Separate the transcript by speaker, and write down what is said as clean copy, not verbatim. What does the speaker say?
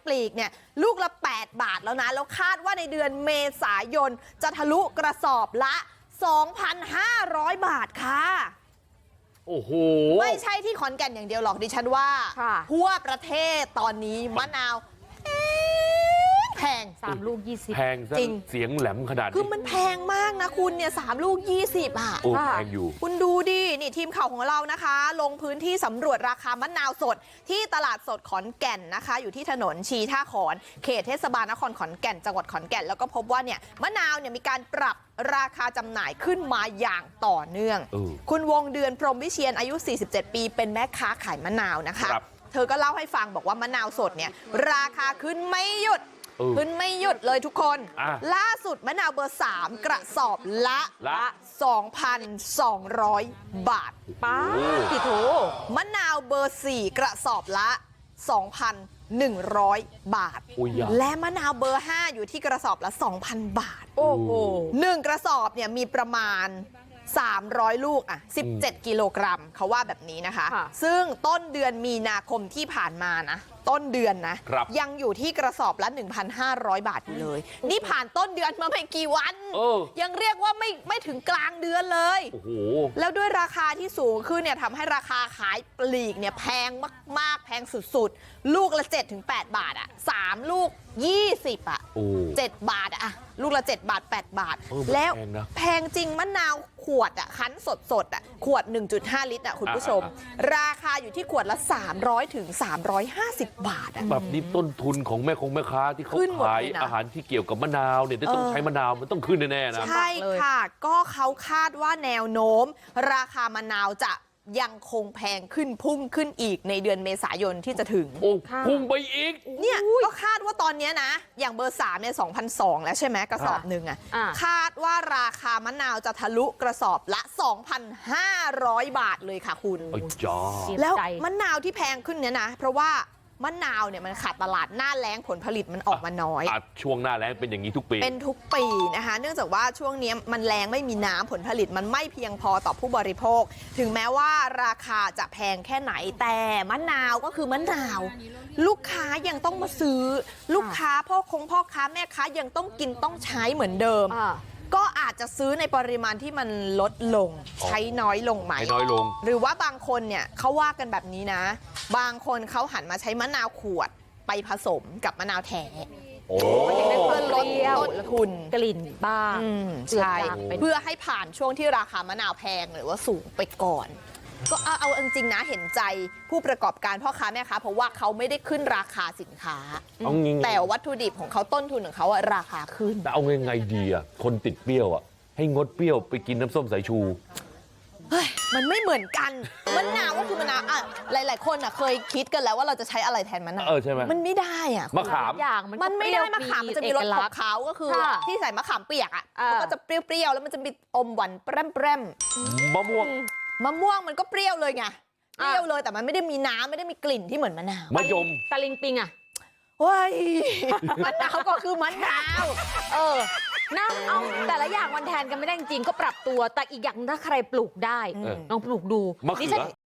Speaker 1: ลีกเนี่ยลูกละ8 บาทแล้วนะแล้วคาดว่าในเดือนเมษายนจะทะลุกระสอบละ 2,500 บาทค่ะ
Speaker 2: โอ้โห
Speaker 1: ไม่ใช่ที่ขอนแก่นอย่างเดียวหรอกดิฉันว่าทั่วประเทศตอนนี้มะนาวแพง
Speaker 3: 3 ลูก 20
Speaker 2: แพงซะเสียงแหลมขนาดนี้
Speaker 1: คือมันแพงมากนะคุณเนี่ย3 ลูก 20อ่ะ
Speaker 2: โอ้แพงอยู่
Speaker 1: คุณดูดินี่ทีมข่าวของเรานะคะลงพื้นที่สำรวจราคามะนาวสดที่ตลาดสดขอนแก่นนะคะอยู่ที่ถนนชีท่าขอนเขตเทศบาลนครขอนแก่นจังหวัดขอนแก่นแล้วก็พบว่าเนี่ยมะนาวเนี่ยมีการปรับราคาจำหน่ายขึ้นมาอย่างต่อเนื่องคุณวงเดือนพรหมวิเชียรอายุ47 ปีเป็นแม่ค้าขายมะนาวนะคะเธอก็เล่าให้ฟังบอกว่ามะนาวสดเนี่ยราคาขึ้นไม่หยุดเลยทุกคนล่าสุดมะนาวเบอร์3กระสอบละ 2,200 บาท
Speaker 3: ป้ากี่โถ
Speaker 1: มะนาวเบอร์4กระสอบละ 2,100 บาทและมะนาวเบอร์5อยู่ที่กระสอบละ 2,000 บาท
Speaker 3: โอ้โห
Speaker 1: 1กระสอบเนี่ยมีประมาณ300 ลูกอ่ะ17 กิโลกรัมเขาว่าแบบนี้นะคะซึ่งต้นเดือนมีนาคมที่ผ่านมานะต้นเดือนนะยังอยู่ที่กระสอบละ 1,500 บาทอยู่เลยนี่ผ่านต้นเดือนมาไม่กี่วันยังเรียกว่าไม่ถึงกลางเดือนเลยแล้วด้วยราคาที่สูงขึ้นเนี่ยทำให้ราคาขายปลีกเนี่ยแพงมากๆแพงสุดๆลูกละ 7-8 บาทอ่ะ3 ลูก 20อ่ะ7 บาทอ่ะลูกละ7 บาท 8 บาทแล้วแพงจริงมะนาวขวดอ่ะคั้นสดอ่ะขวด 1.5 ลิตรอ่ะคุณผู้ชมราคาอยู่ที่ขวดละ300 ถึง 350 บาทอ่ะ
Speaker 2: แบบนี้ต้นทุนของแม่ค้าที่เขาขายอาหารที่เกี่ยวกับมะนาวเนี่ยต้องใช้มะนาวมันต้องขึ้นแน่ๆนะ
Speaker 1: ใช่ค่ะก็เขาคาดว่าแนวโน้มราคามะนาวจะยังคงแพงขึ้นพุ่งขึ้นอีกในเดือนเมษายนที่จะถึง
Speaker 2: โอ้พุ่งไปอีก
Speaker 1: เนี่ยก็คาดว่าตอนนี้นะอย่างเบอร์3เนี่ย 2,200 แล้วใช่ไหมกระสอบหนึ่งอ่ะคาดว่าราคามะนาวจะทะลุกระสอบละ 2,500 บาทเลยค่ะคุณแล้วมะนาวที่แพงขึ้นเนี่ยนะเพราะว่ามะนาวเนี่ยมันขาดตลาดหน้าแล้งผลผลิตมันออกมาน้อย
Speaker 2: ช่วงหน้าแล้งเป็นอย่างนี้ทุกปี
Speaker 1: เป็นทุกปีนะคะเนื่องจากว่าช่วงนี้มันแล้งไม่มีน้ำผลผลิตมันไม่เพียงพอต่อผู้บริโภคถึงแม้ว่าราคาจะแพงแค่ไหนแต่มะนาวก็คือมะนาวลูกค้ายังต้องมาซื้อลูกค้าพ่อค้าแม่ค้ายังต้องกินต้องใช้เหมือนเดิมก็อาจจะซื้อในปริมาณที่มันลดลงใช้น้อยลงไหม
Speaker 2: น้อยลง
Speaker 1: หรือว่าบางคนเนี่ยเขาว่ากันแบบนี้นะบางคนเขาหันมาใช้มะนาวขวดไปผสมกับมะนาวแท้
Speaker 2: โอ้
Speaker 1: เพื่อลดต้นทุน
Speaker 3: กลิ่นบ้าง
Speaker 1: ใช่เพื่อให้ผ่านช่วงที่ราคามะนาวแพงหรือว่าสูงไปก่อนก็เอาจริงๆนะเห็นใจผู้ประกอบการพ่อค้าแม่ค้าเพราะว่าเขาไม่ได้ขึ้นราคาสินค้าแต่วัตถุดิบของเขาต้นทุนของเขาราคาขึ้น
Speaker 2: แต่เอาไงดีอ่ะคนติดเปรี้ยวอ่ะให้งดเปรี้ยวไปกินน้ำส้มสายชู
Speaker 1: เฮ้ยมันไม่เหมือนกันมะนาวก็คือมะนาวอ่ะหลายๆคนอ่ะเคยคิดกันแล้วว่าเราจะใช้อะไรแทนมะนาว
Speaker 2: ใช่ไหม
Speaker 1: มันไม่ได้อ่ะ
Speaker 2: มะขาม
Speaker 3: อย่าง
Speaker 1: มันไม่ได้มะขามมันจะมีรสของเขาก็คือที่ใส่มะขามเปียกอ่ะมันก็จะเปรี้ยวๆแล้วมันจะมีอมหวานแปร่ม
Speaker 2: มะม่วง
Speaker 1: มันก็เปรี้ยวเลยไงเปรี้ยวเลยแต่มันไม่ได้มีน้ำไม่ได้มีกลิ่นที่เหมือนมะนาว
Speaker 2: มะยม
Speaker 3: ตะลิงปิงอ่ะ
Speaker 1: เฮ้ยมะนาวก็คือมะนาว
Speaker 3: นะเอาแต่ละอย่างมันแทนกันไม่ได้จริงก็ปรับตัวแต่อีกอย่างถ้าใครปลูกได้ลองปลูกดู
Speaker 2: มะเขือ